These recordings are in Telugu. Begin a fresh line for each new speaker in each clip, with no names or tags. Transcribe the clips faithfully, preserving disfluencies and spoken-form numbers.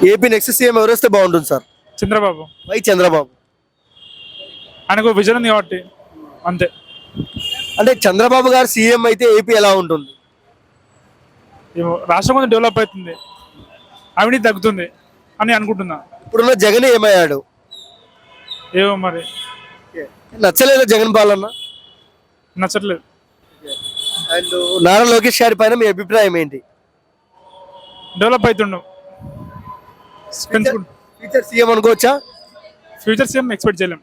ఏపీ నెక్స్ట్ సీఎం ఎవరు వస్తే బాగుంటుంది సార్?
చంద్రబాబు.
వై చంద్రబాబు?
ఆయనకు విజన్ ఉంది కాబట్టి అంతే.
అంటే చంద్రబాబు గారు సీఎం అయితే ఏపీ ఎలా ఉంటుంది?
ఏమో రాష్ట్రం కొంచెం డెవలప్ అవుతుంది, అవినీతి తగ్గుతుంది అని అనుకుంటున్నా.
ఇప్పుడున్న జగన్ ఏమయ్యాడు?
ఏమో మరి
నచ్చలేదా జగన్ పాలన?
నచ్చట్లేదు.
అండ్ నారా లోకేష్ గారి పైన మీ అభిప్రాయం ఏంటి?
డెవలప్ అవుతుండవు, పెంచుకుంటు
ఫ్యూచర్ సీఎం అనుకోవచ్చా?
ఫ్యూచర్ సీఎం ఎక్స్పెక్ట్ చేయలేం.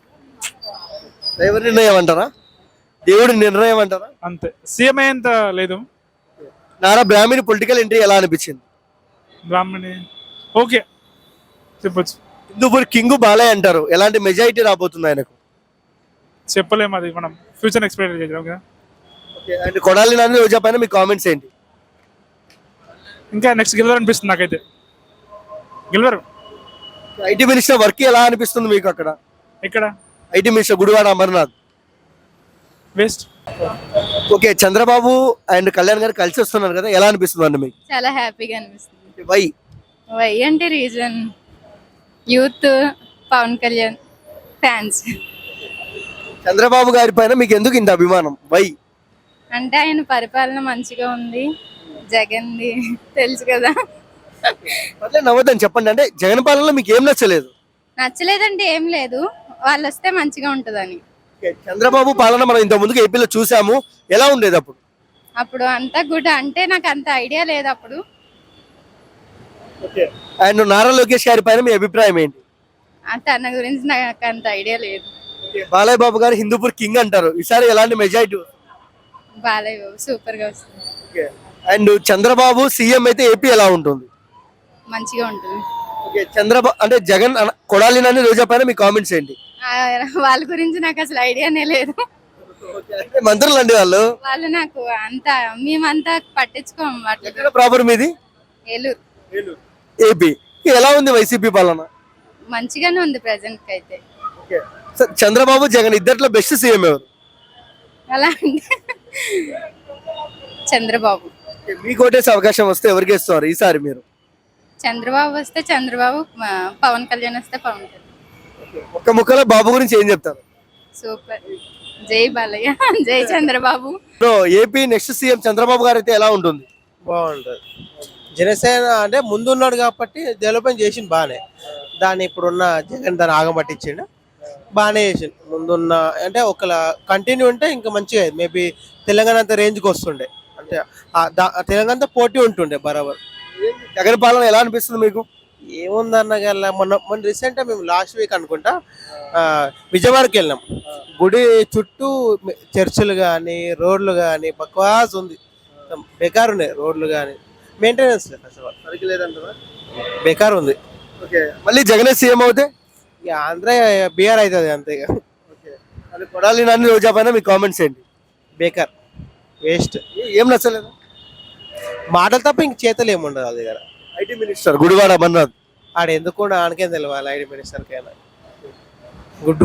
ఎవరి నిర్ణయం అంటారా? దేవుడి నిర్ణయం అంటారా?
అంతే, సీఎం అయ్యేంత లేదు.
నారా బ్రాహ్మణి పొలిటికల్ ఎంట్రీ ఎలా అనిపించింది?
బ్రాహ్మణి ఓకే చెప్పొచ్చు.
హిందూపూర్ కింగ్ బాలయ్య అంటారు, ఎలాంటి మెజారిటీ రాబోతుంది ఆయనకు?
చెప్పలేము, అది మనం ఫ్యూచర్ ఎక్స్పెక్ట్ చేయలేం కదా.
అండ్ కొడాలి నాని రోజా పైన మీ కామెంట్స్ ఏంటి?
ఇంకా నెక్స్ట్ గెలవరు అనిపిస్తుంది నాకైతే. గెలవరు.
ఐటీ మినిస్టర్ వర్క్ ఎలా అనిపిస్తుంది మీకు అక్కడ?
ఇక్కడ
IT minister Gudivada Amarnath
waste.
Okay, Chandrababu and Kalyan గారు కలిసి వస్తున్నారు కదా, ఎలా అనిపిస్తుంది అండి మీకు?
చాలా హ్యాపీగా అనిపిస్తుంది.
వై?
వై అంటే reason youth, Pawan Kalyan fans.
Chandrababu గారి పైన మీకు ఎందుకు ఇంత అభిమానం? వై?
అంటే ఆయన పరిపాలన మంచిగా ఉంది, జగన్ది తెలుసు కదా.
పర్లేదు నవ్వద్దని చెప్పండి. అంటే జగన్ పాలనలో మీకు ఏం నచ్చలేదు?
నచ్చలేదంటే ఏం లేదు, వాళ్ళు వస్తే మంచిగా ఉంటుందని.
ఓకే, చంద్రబాబు పాలన మనం ఇంత ముందుకు ఏపీలో చూసాము, ఎలా ఉండేది అప్పుడు?
అప్పుడు అంతా గుడ్, అంటే నాకు అంత ఐడియా లేదు అప్పుడు.
అండ్ నారా లోకేష్ గారి పైన మీ అభిప్రాయం ఏంటి?
ఆ తన గురించి నాకు అంత ఐడియా లేదు.
బాలయ్య బాబు గారు హిందూపూర్ కింగ్ అంటారు, ఈసారి ఎలాంటి మెజారిటీ?
బాలయ్య బాబు సూపర్ గా వస్తుంది.
అండ్ చంద్రబాబు సీఎం అయితే ఏపీ ఎలా ఉంటుంది?
మంచిగా ఉంటుంది.
ఓకే, చంద్రబాబు అంటే జగన్ అన- కొడాలి నాని రోజా పైన మీ కామెంట్స్ ఏంటి?
ఆ, వాళ్ళ గురించి నాకు అసలు ఐడియానే లేదు.
అంటే మంత్రులు అండి వాళ్ళు.
వాళ్ళు నాకు అంత మేమంతా పట్టించుకోము వాటి.
ఎక్కడ ప్రాపర్ మీది?
ఏలూరు.
ఏపీ ఎలా ఉంది వైసీపీ పాలన?
మంచిగానే ఉంది ప్రెసెంట్ కి అయితే.
సార్, చంద్రబాబు జగన్ ఇద్దట్లో బెస్ట్ సీఎం ఎవరు?
అలా అంటే చంద్రబాబు.
మీకు ఓటేసే అవకాశం వస్తే ఎవరికి ఇస్తారు ఈసారి మీరు?
చంద్రబాబు వస్తే చంద్రబాబు, ఆ, పవన్ కళ్యాణ్ వస్తే పవన్ కళ్యాణ్.
ఒక్క ముక్కలో బాబు గురించి ఏం చెప్తారు?
సూపర్. జై బాలయ్య, జై Chandrababu.
Bro, AP next CM Chandrababu గారు అయితే ఎలా ఉంటుంది?
బాగుంటుంది. జనసేన అంటే ముందున్నాడు కాబట్టి డెవలప్మెంట్ చేసిండు బాగానే. దాన్ని ఇప్పుడున్న జగన్ దాన్ని ఆగమట్టించిండు, బాగానే చేసిండు. ముందున్న అంటే ఒకలా కంటిన్యూ ఉంటే ఇంకా మంచిగా మేబీ తెలంగాణ అంత రేంజ్కి వస్తుండే, అంటే ఆ దా- తెలంగాణ అంతా పోటీ ఉంటుండే బరాబర్.
జగన్ పాలన ఎలా అనిపిస్తుంది మీకు?
ఏముందన్న గల్ల మొన్న మొన్న రీసెంట్గా మేము లాస్ట్ వీక్ అనుకుంటా ఆ, విజయవాడకి వెళ్ళినాం. గుడి చుట్టూ చర్చిలు కానీ రోడ్లు కానీ బక్వాస్ ఉంది, బెకార్ ఉన్నాయి రోడ్లు కానీ, మెయింటెనెన్స్ లేదు అసలు,
సరిగ్గా లేదంటారా?
బెకార్ ఉంది.
ఓకే, మళ్ళీ జగనే సీఎం అవుతే?
ఇక ఆంధ్ర బీఆర్ అవుతుంది అంతే. ఇక
అది కొడాలి నాని రోజా పైన మీ కామెంట్స్ ఏంటి?
బేకార్, వేస్ట్,
ఏ- ఏం నచ్చలేదు?
మాటలు తప్ప ఇంక చేతలు ఏముండదు వాళ్ళ దగ్గర.
ఐటీ మినిస్టర్ గుడివాడ అమర్నాథ్
ఆడ ఎందుకు కూడా ఆనకేం తెలియాలి ఐడి మినిస్టర్కైనా. గుడ్డు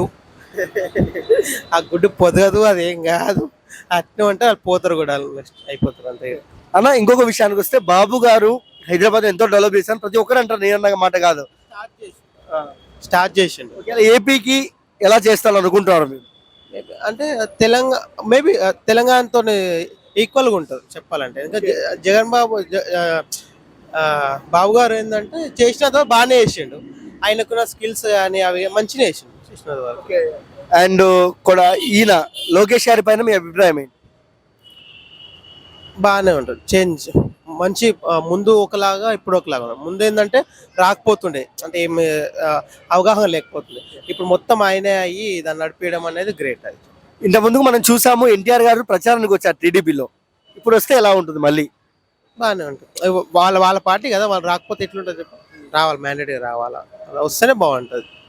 ఆ గుడ్డు పొదగదు, అదేం కాదు, అట్నే అంటే వాళ్ళు పోతారు కూడా, వాళ్ళు నెక్స్ట్ అయిపోతారు అంతే.
అన్న, ఇంకొక విషయానికి వస్తే బాబు గారు హైదరాబాద్ ఎంతో డెవలప్ చేశాను ప్రతి ఒక్కరు అంటారు, నేను అన్న మాట కాదు.
స్టార్ట్ చేసిండు.
ఒకవేళ ఏపీకి ఎలా చేస్తాను అనుకుంటున్నారు మీరు?
Maybe అంటే తెలంగాణ మేబీ తెలంగాణతో ఈక్వల్గా ఉంటుంది చెప్పాలంటే. ఇంకా జ- జగన్ బాబు జ- ఆ, ఆ, బాబు గారు ఏంటంటే చేసిన తర్వాత బాగానే చేసిండు, ఆయనకున్న స్కిల్స్ కానీ అవి మంచిగా చేసిండు చేసిన వరకు.
అండ్ కూడా ఈయన లోకేష్ గారి పైన మీ అభిప్రాయం ఏంటి?
బాగానే ఉంటుంది, చేంజ్ మంచి. ఆ, ముందు ఒకలాగా ఇప్పుడు ఒకలాగా ఉంది. ముందు ఏంటంటే రాకపోతుండే, అంటే ఏమి ఆ, అవగాహన లేకపోతుండే. ఇప్పుడు మొత్తం ఆయనే అయ్యి దాన్ని నడిపించడం అనేది గ్రేట్. అది
ఇంత ముందుకు మనం చూసాము ఎన్టీఆర్ గారు ప్రచారానికి వచ్చారు టీడీపీలో, ఇప్పుడు వస్తే ఎలా ఉంటుంది మళ్ళీ?
బాగానే ఉంటుంది. వాళ్ళ వాళ్ళ పార్టీ కదా, వాళ్ళు రాకపోతే ఎట్లుంటుంది చెప్పు. రావాలి, మ్యాండేట్గా రావాలా, అలా వస్తేనే బాగుంటుంది.